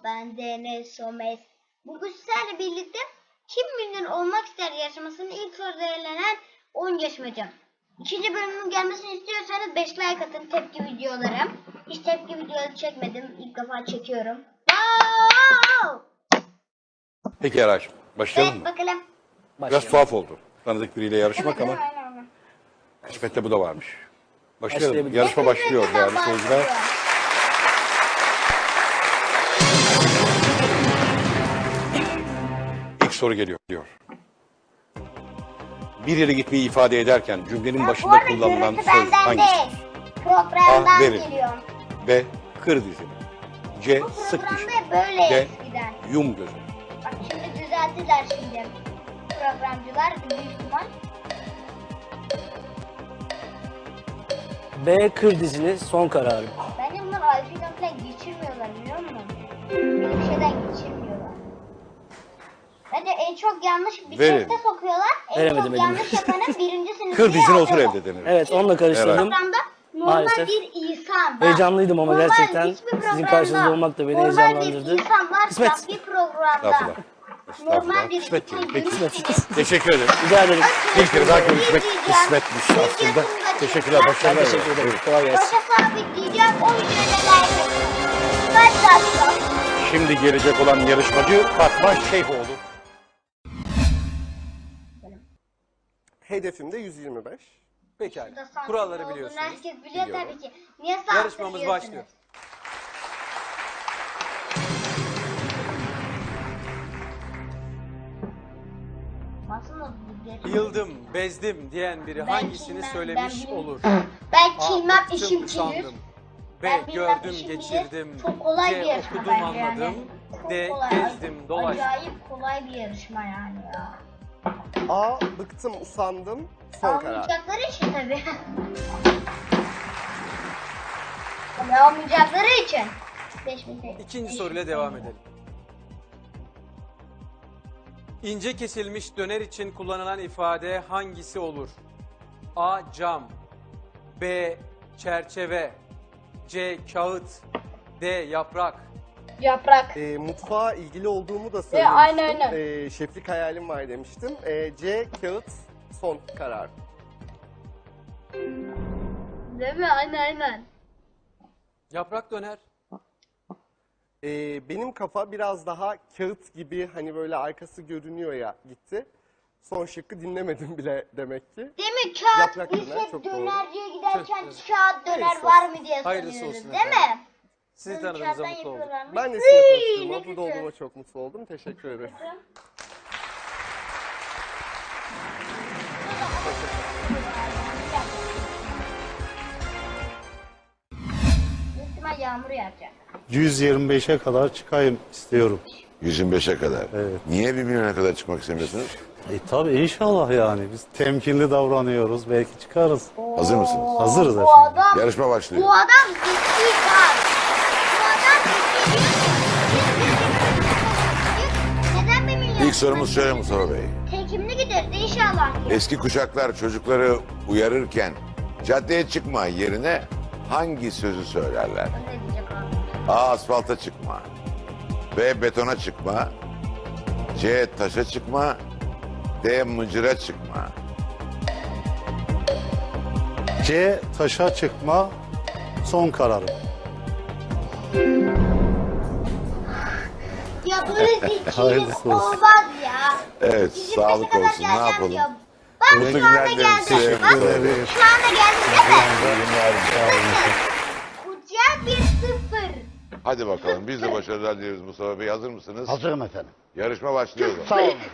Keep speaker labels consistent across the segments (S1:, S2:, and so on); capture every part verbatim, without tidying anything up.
S1: ben Deniz Somes. Bugün sizlerle birlikte Kim Milyoner Olmak İster yarışmasının ilk soruda elenen on yarışmacı. İkinci bölümün gelmesini istiyorsanız beş like atın, tepki videoları. Hiç tepki videoları çekmedim. İlk defa çekiyorum. Wow!
S2: Peki Eraş, başlayalım
S1: Evet,
S2: mı?
S1: bakalım.
S2: Biraz tuhaf oldu. Tanıdık biriyle yarışmak
S1: Evet,
S2: ama
S1: aynen, aynen.
S2: kısmette bu da varmış. Başlayalım.
S3: Başlayabiliriz.
S2: Yarışma başlıyor
S1: Hepimizden
S2: değerli seyirciler.
S1: başlıyor.
S2: İlk soru geliyor. diyor. Bir yere gitmeyi ifade ederken cümlenin
S1: Ya, bu
S2: başında
S1: arada
S2: kullanılan
S1: görüntü
S2: söz
S1: benden
S2: hangisi?
S1: değil. Programdan
S2: A. Verin.
S1: geliyor.
S2: B. Kır dizini. C.
S1: Bu
S2: Sık
S1: programda
S2: dişini.
S1: hep böyle
S2: D.
S1: eskiden.
S2: Yum gözünü.
S1: Bak şimdi düzelttiler şimdi. Programcılar büyük ihtimal.
S3: B. Kır dizini son kararım.
S1: Bence bunlar Alfa'dan falan geçirmiyorlar biliyor musun? Böyle bir şeyden geçirmiyorlar. Bence en çok yanlış bir
S2: Verin.
S1: teste sokuyorlar. En
S3: Veremedim
S1: çok
S3: elimi.
S1: yanlış yapanın birinci sınıfı.
S2: Kır dizine otur evde denir.
S3: Evet, onunla karıştırdım.
S1: Programda normal
S3: Maalesef.
S1: bir insan. Bak,
S3: Heyecanlıydım ama
S1: normal
S3: gerçekten
S1: hiçbir
S3: sizin
S1: programda
S3: karşınızda olmak da beni
S1: normal
S3: heyecanlandırdı.
S1: bir insan varsa
S3: Kısmet.
S1: bir programda.
S2: Estağfurullah.
S1: Normal
S2: Estağfurullah.
S1: bir
S2: Kısmet
S1: insan
S2: değil. Peki.
S1: görürseniz.
S2: Teşekkür ederim.
S3: Rica ederim.
S2: Bir kere daha görüşmek kısmetmiş aslında. Teşekkürler.
S3: Ben
S2: Başarılar.
S3: teşekkür ederim.
S2: Evet.
S3: Kolay gelsin.
S1: Başa sabitleyeceğim. O videoda like atın. Kaç dakika?
S2: Şimdi gelecek olan yarışmacı Fatma Şeyhoğlu.
S4: Hedefim de yüz yirmi beş.
S3: Pekala.
S1: Burada sansür
S3: Kuralları
S1: olduğunu
S3: biliyorsunuz.
S1: Herkes biliyor
S2: Biliyorum.
S1: tabii ki. Niye sansür
S3: Yarışmamız
S1: diyorsunuz?
S3: başlıyor.
S1: Aslında bu bir-
S5: Yıldım, bezdim diyen biri
S1: Ben
S5: hangisini
S1: kimden-
S5: söylemiş
S1: ben
S5: olur?
S1: Ben
S5: A.
S1: kilmem
S5: Bıktım,
S1: işim kilir.
S5: usandım. B.
S1: Ben bilmem,
S5: Gördüm,
S1: işim bilir.
S5: geçirdim.
S1: Çok kolay bir
S5: C.
S1: yarışma
S5: Okudum,
S1: bence yani.
S5: anladım.
S1: Çok
S5: D.
S1: kolay.
S5: Gezdim, dolaştım.
S1: Acayip kolay bir yarışma yani ya.
S4: A. Bıktım, usandım. Son karar.
S1: Almayacakları için tabii. Tabii almayacakları için. Beş bin tek-
S5: İkinci
S1: beş
S5: soruyla
S1: bin
S5: devam
S1: tek-
S5: edelim. İnce kesilmiş döner için kullanılan ifade hangisi olur? A. Cam. B. Çerçeve. C. Kağıt. D. Yaprak.
S1: Yaprak.
S4: E, mutfağa ilgili olduğumu da söylemiştim.
S1: aynen, aynen.
S4: E, şeflik hayalim var demiştim. E, C. Kağıt. Son karar.
S1: Değil mi? Aynen aynen.
S5: Yaprak döner.
S4: E, benim kafa biraz daha kağıt gibi hani böyle arkası görünüyor ya gitti. Son şıkkı dinlemedim bile demek ki.
S1: Değil mi? Kağıt
S4: Yaprak
S1: biz
S4: döner,
S1: hep
S4: çok doğru.
S1: dönerciye giderken
S5: Evet.
S1: kağıt döner
S4: Hayırlısı
S1: var mı diye
S5: Hayırlısı
S1: soruyoruz
S5: olsun
S1: değil
S5: efendim.
S1: mi?
S5: Sizi
S1: Bunu
S5: tanıdığımıza
S1: kağıttan
S5: mutlu olduk.
S1: yapıyorlarmış.
S4: Ben de
S1: Hıy,
S4: sizinle
S1: ne
S4: tanıştığıma,
S1: güzel.
S4: burada olduğuma çok mutlu oldum. Teşekkür ederim.
S1: Büyük ihtimal yağmur yağacak.
S6: yüz yirmi beşe kadar çıkayım istiyorum.
S7: yüz yirmi beşe kadar.
S6: Evet.
S7: Niye bir milyona kadar çıkmak istemiyorsunuz?
S6: E tabi inşallah yani biz temkinli davranıyoruz belki çıkarız.
S7: Hazır mısınız?
S6: Hazırız
S1: Bu
S6: efendim.
S1: adam,
S7: Yarışma başlıyor.
S1: bu adam ciddi bak. Bu adam ciddi. Neden bir milyon?
S7: İlk sorumuz şöyle Mustafa Bey.
S1: Tekimli giderdi inşallah.
S7: Eski kuşaklar çocukları uyarırken caddeye çıkma yerine hangi sözü söylerler?
S1: Ne diyecek abi?
S7: A. Asfalta çıkma. B. Betona çıkma. C. Taşa çıkma. D. Mıcıra çıkma.
S6: C taşa çıkma son kararım.
S1: Ya böyle zekilik
S6: Hayırlısı olsun.
S1: olmaz ya.
S7: Evet,
S1: Bizim
S7: sağlık
S1: beşe kadar
S7: olsun. Ne
S1: geleceğim
S7: yapalım?
S1: diyor. Bak
S7: Mutlu
S1: şu anda
S7: günler dilerim
S1: geldim.
S7: size.
S1: Bak
S6: ederim.
S1: şu anda geldim değil mi?
S7: Günler.
S1: Kucak bir sıfır.
S7: Hadi bakalım. Biz de başarılar dileriz Mustafa Bey. Hazır mısınız?
S8: Hazırım efendim.
S7: Yarışma başlıyor.
S8: Sağ olun efendim.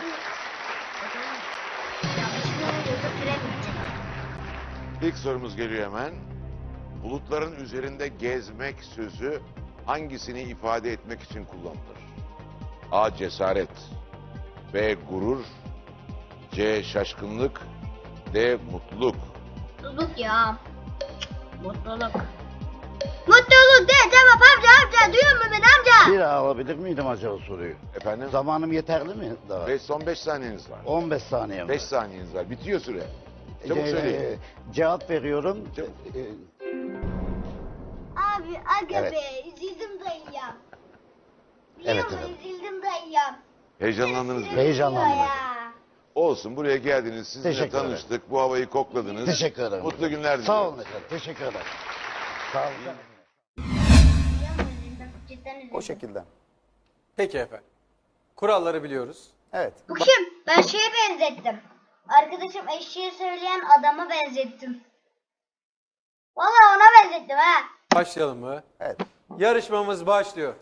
S7: İlk sorumuz geliyor hemen. Bulutların üzerinde gezmek sözü hangisini ifade etmek için kullanılır? A. Cesaret. B. Gurur. C. Şaşkınlık. D. Mutluluk.
S1: Mutluluk ya. Mutluluk. Mutluluk de cevap amca amca duyuyor musun beni amca?
S8: Bir daha alabilir miydim acaba soruyu?
S7: Efendim?
S8: Zamanım yeterli mi daha?
S7: Beş, son beş saniyeniz var.
S8: on beş saniye mi?
S7: Beş saniyeniz var. Bitiyor süre. Çabuk
S8: Ee,
S7: söyleyin.
S8: Cevap veriyorum.
S7: Çabuk.
S8: Ee,
S1: Abi aga
S8: Evet.
S1: be üzüldüm dayıya. Biliyor
S8: Evet,
S1: musun?
S8: efendim.
S1: Üzüldüm dayı ya.
S7: Heyecanlandınız mı?
S8: Heyecanlandım
S1: Ya.
S8: efendim.
S7: Olsun, buraya geldiniz, sizinle
S8: Teşekkür ederim.
S7: tanıştık, bu havayı kokladınız.
S8: Teşekkür ederim.
S7: Mutlu günler diliyorum.
S8: Sağ olun efendim. Teşekkür ederim. Sağ olun.
S1: Biliyor musun? Üzüldüm. Cidden üzüldüm.
S2: O şekilde.
S5: Peki efendim. Kuralları biliyoruz.
S2: Evet.
S1: Bu kim? Ben şeye benzettim. Arkadaşım eşeği söyleyen adama benzettim. Vallahi ona benzettim ha.
S5: Başlayalım mı?
S2: Evet.
S5: Yarışmamız başlıyor.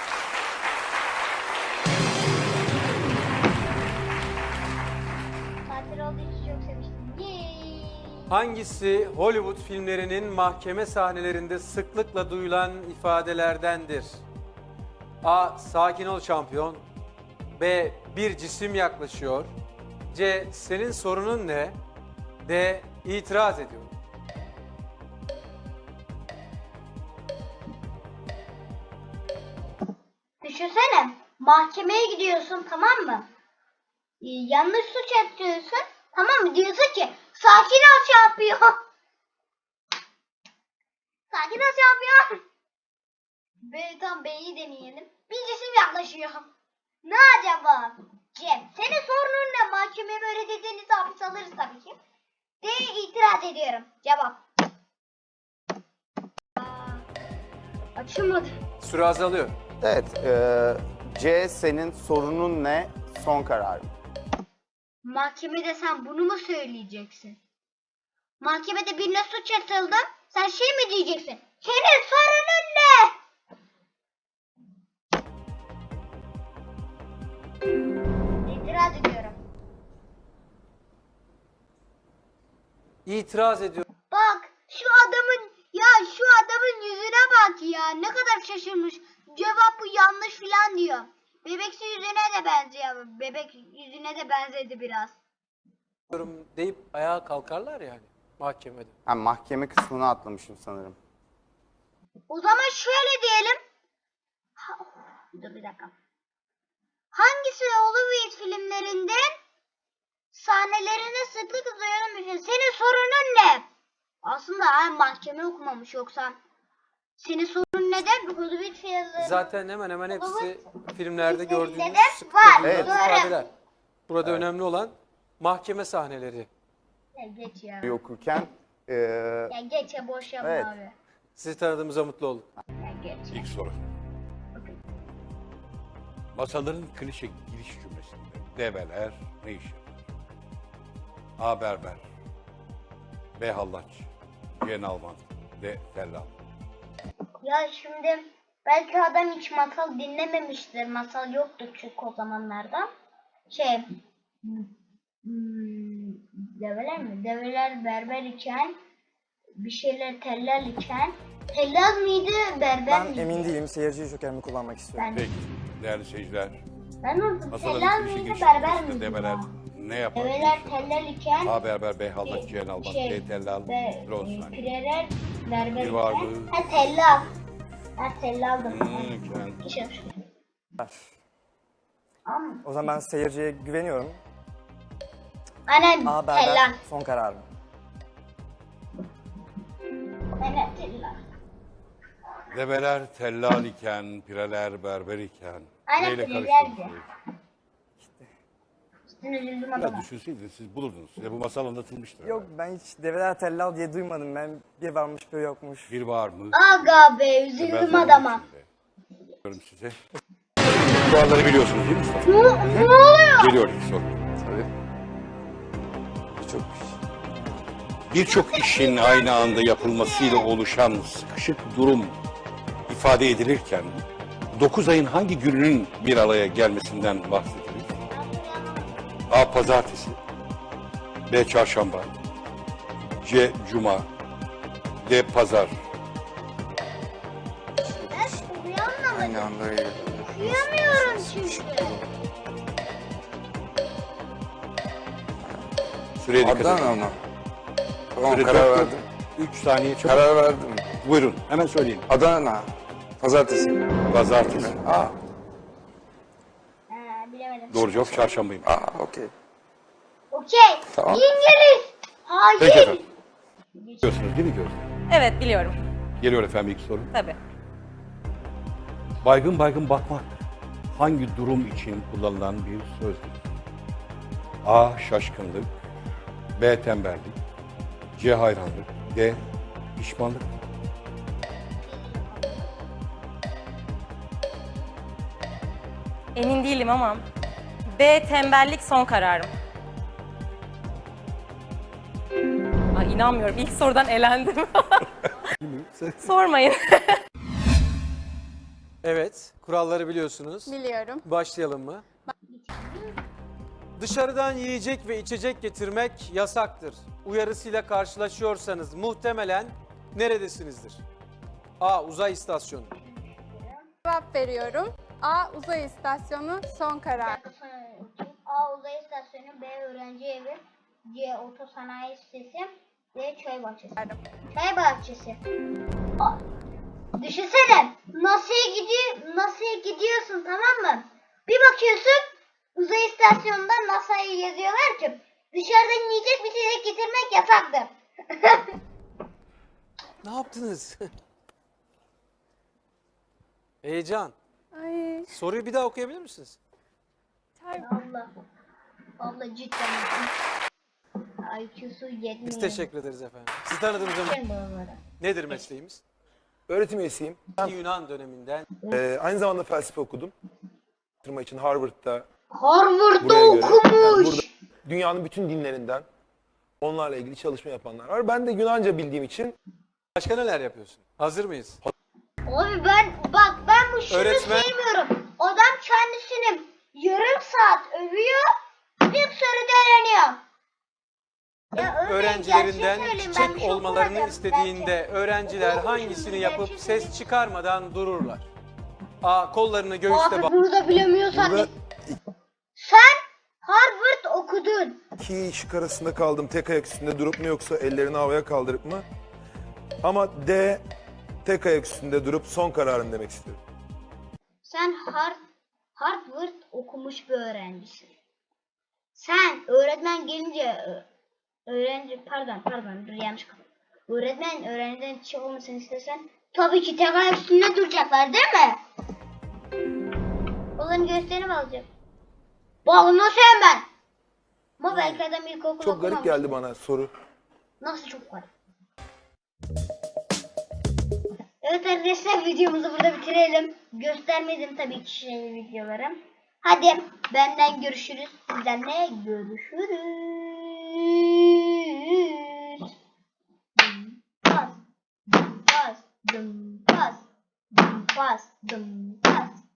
S1: Tatil olduğu için çok sevmiştim. Yay.
S5: Hangisi Hollywood filmlerinin mahkeme sahnelerinde sıklıkla duyulan ifadelerdendir? A. Sakin ol şampiyon. B. Bir cisim yaklaşıyor. C. Senin sorunun ne? D. İtiraz ediyorum.
S1: Düşünsene. Mahkemeye gidiyorsun, tamam mı? Ee, yanlış suç yapıyorsun. Tamam mı? Diyorsun ki sakin ol şampiyon. Sakin ol şampiyon. B, tam B'yi deneyelim. Bir cisim yaklaşıyor. Ne acaba? Cem, senin sorunun ne? Mahkemeye böyle dediğinizde hapis alırız tabii ki. D, itiraz ediyorum. Cevap. Aa, açılmadı.
S5: Süre azalıyor.
S2: Evet. e, C senin sorunun ne? Son kararım.
S1: Mahkemede sen bunu mu söyleyeceksin? Mahkemede birine suç atıldı. Sen şey mi diyeceksin? Senin sorunun ne? İtiraz ediyorum.
S5: İtiraz ediyorum.
S1: Bak şu adamın ya şu adamın yüzüne bak ya. Ne kadar şaşırmış. Cevap bu yanlış filan diyor. Bebeksi yüzüne de benziyor. Bebek yüzüne de benzedi biraz.
S5: deyip ayağa kalkarlar yani mahkemede.
S2: Ha, mahkeme kısmını atlamışım sanırım.
S1: O zaman şöyle diyelim. Ha, dur bir dakika. Hangisi Hollywood filmlerinde sahnelerine sıklıkla duyulmuş? Senin sorunun ne? Aslında ha, mahkeme okumamış yoksa. Senin sorunun neden? Hollywood filmleri.
S5: Zaten hemen hemen hepsi filmlerde gördüğünüz
S1: de
S5: sıklıkla
S1: var.
S5: duyulan
S2: Evet.
S5: ifadeler. Burada önemli olan mahkeme sahneleri.
S1: Ya geç ya.
S2: Bir okurken e,
S1: Ya geç ya boş yapma
S2: Evet.
S1: abi.
S5: Sizi tanıdığımıza mutlu oldum.
S1: Ya geç.
S9: İlk soru. Masaların klişe giriş cümlesinde develer ne iş yapar? A. Berber. B. Hallaç. C. Nalman. D. Tellal.
S1: Ya şimdi belki adam hiç masal dinlememiştir. Masal yoktu çünkü o zamanlarda. Şey hmm, develer mi? Develer berber iken bir şeyler tellal iken tellal mıydı berber
S10: Ben
S1: miydi?
S10: emin değilim. Seyirci jokerimi kullanmak istiyorum.
S1: Ben,
S9: Peki değerli seyirciler.
S1: ben orada
S9: Masaların
S1: tellal
S9: klişe
S1: mıydı
S9: giriş
S1: berber
S9: cümlesinde
S1: miydi?
S9: develer
S1: ya?
S9: ne yapar?
S1: Develer
S9: Ne iş yapar?
S1: tellal iken
S9: A. Berber. B. Hallaç. C. Nalman.
S1: şey,
S9: D. Tellal.
S1: ve
S9: Süre on saniye.
S1: pireler berber
S9: Bir var
S1: iken
S9: mı?
S1: ha tellal. Ha tellaldım.
S9: Hmm, iken.
S1: İşte. Ama
S10: O zaman ben seyirciye güveniyorum.
S1: aynen
S10: A
S1: tellal.
S10: berber son kararım.
S1: Aynen tellal.
S9: Develer tellal iken, pireler berber iken.
S1: Aynen,
S9: Neyle
S1: pirelerdi.
S9: karıştırdınız?
S1: Üstüne üzüldüm
S9: Ya
S1: adama.
S9: düşünseydiniz siz bulurdunuz. Size bu masal anlatılmıştır.
S10: Yok ben hiç develer tellal diye duymadım. Ben bir varmış bir yokmuş.
S9: Bir var mı?
S1: Aga be
S9: Ben
S1: üzüldüm
S9: zaman
S1: adama.
S9: içinde. Diyorum size. Kuralları biliyorsunuz değil mi?
S1: Ne, ne oluyor?
S9: Geliyor ilk soru.
S2: çok
S9: Birçok işin aynı anda yapılmasıyla oluşan sıkışık durum ifade edilirken dokuz ayın hangi gününün bir araya gelmesinden bahsedilir? A. Pazartesi. B. Çarşamba. C. Cuma. D. Pazar.
S1: Ben uyanmadım.
S2: aynı anda öyle.
S1: Uyuyamıyorum çünkü.
S9: Süreye dikkat edin.
S2: Adana ama. Tamam
S9: Süre
S2: karar
S9: dört
S2: verdim.
S9: Üç saniye çok.
S2: Karar verdim.
S9: Buyurun hemen söyleyin.
S2: Adana. Pazartesi.
S9: Pazartesi.
S2: Aa,
S1: Ha, bilemedim.
S9: Doğru cevap çarşambayım.
S2: aa okey.
S1: Okey.
S2: Tamam.
S1: İngiliz. Hayır.
S9: Peki efendim. Biliyorsunuz değil mi Gözde?
S11: Evet biliyorum.
S9: Geliyor efendim ilk soru.
S11: Tabii.
S9: Baygın baygın bakmak hangi durum için kullanılan bir sözdür? A. Şaşkınlık, B. Tembellik, C. Hayranlık, D. Pişmanlık.
S11: Emin değilim ama B tembellik son kararım. Ay inanmıyorum. İlk sorudan elendim. Sormayın.
S5: Evet, kuralları biliyorsunuz.
S11: Biliyorum.
S5: Başlayalım mı? Dışarıdan yiyecek ve içecek getirmek yasaktır. Uyarısıyla karşılaşıyorsanız muhtemelen neredesinizdir? A. Uzay istasyonu.
S11: Cevap veriyorum. A uzay istasyonu son karar.
S1: A. Uzay istasyonu, B. Öğrenci evi, C. Otosanayi sitesi, D. Çay bahçesi. Çay bahçesi. A- Düşünsene, NASA'ya gidiyor, NASA'ya gidiyorsun, tamam mı? Bir bakıyorsun uzay istasyonunda NASA'yı yazıyorlar ki dışarıdan yiyecek bir şey getirmek yasaktır.
S5: Ne yaptınız? Heyecan.
S11: Ay.
S5: Soruyu bir daha okuyabilir misiniz?
S1: Allah. Allah cidden. I Q'su yetmiyor.
S5: Biz teşekkür ederiz efendim. Sizi tanıdığımız zaman nedir mesleğimiz?
S12: Öğretim üyesiyim.
S5: Yunan döneminden.
S12: Ee, aynı zamanda felsefe okudum. Tırma için Harvard'da.
S1: Harvard'da
S12: Buraya göre. Yani
S1: okumuş.
S12: burada dünyanın bütün dinlerinden onlarla ilgili çalışma yapanlar var. Ben de Yunanca bildiğim için
S5: Başka neler yapıyorsun? Hazır mıyız?
S1: Abi ben bak ben bu şunu
S5: Öğretmen-
S1: sevmiyorum. Adam kendisini yarım saat övüyor. İlk soruda öğreniyor. Ya öyle,
S5: Öğrencilerinden
S1: gerçeği söyleyeyim, ben bir
S5: çiçek
S1: şey
S5: olmalarını
S1: okumadım.
S5: istediğinde
S1: Gerçek.
S5: öğrenciler
S1: Okumuşum,
S5: hangisini yapıp
S1: gerçeği
S5: ses
S1: söyleyeyim.
S5: çıkarmadan dururlar? A. Kollarını göğüste
S1: Abi
S5: bağ.
S1: bunu da bilemiyorsan.
S12: burada
S1: Sen Harvard okudun.
S12: iki şık arasında kaldım. Tek ayak üstünde durup mu yoksa ellerini havaya kaldırıp mı? Ama D, tek ayak üstünde durup son kararım demek istiyorum.
S1: Sen Har Harvard okumuş bir öğrencisin. Sen öğretmen gelince ö- öğrenci pardon pardon dur yanlış kapı. Öğretmen öğrenciden çiçek olmasını istesen tabii ki tek ayak üstünde duracaklar değil mi? Onların göğüslerini alacak. Bak nasıl ben? Ama belki adam ilkokul
S12: Çok garip
S1: okumamış.
S12: geldi bana soru.
S1: Nasıl çok garip? Evet arkadaşlar videomuzu burada bitirelim. Göstermedim tabii ki şey videoları. Hadi benden görüşürüz. Sizden de görüşürüz. Dum pas, dum pas, dum pas, dum pas, dum pas.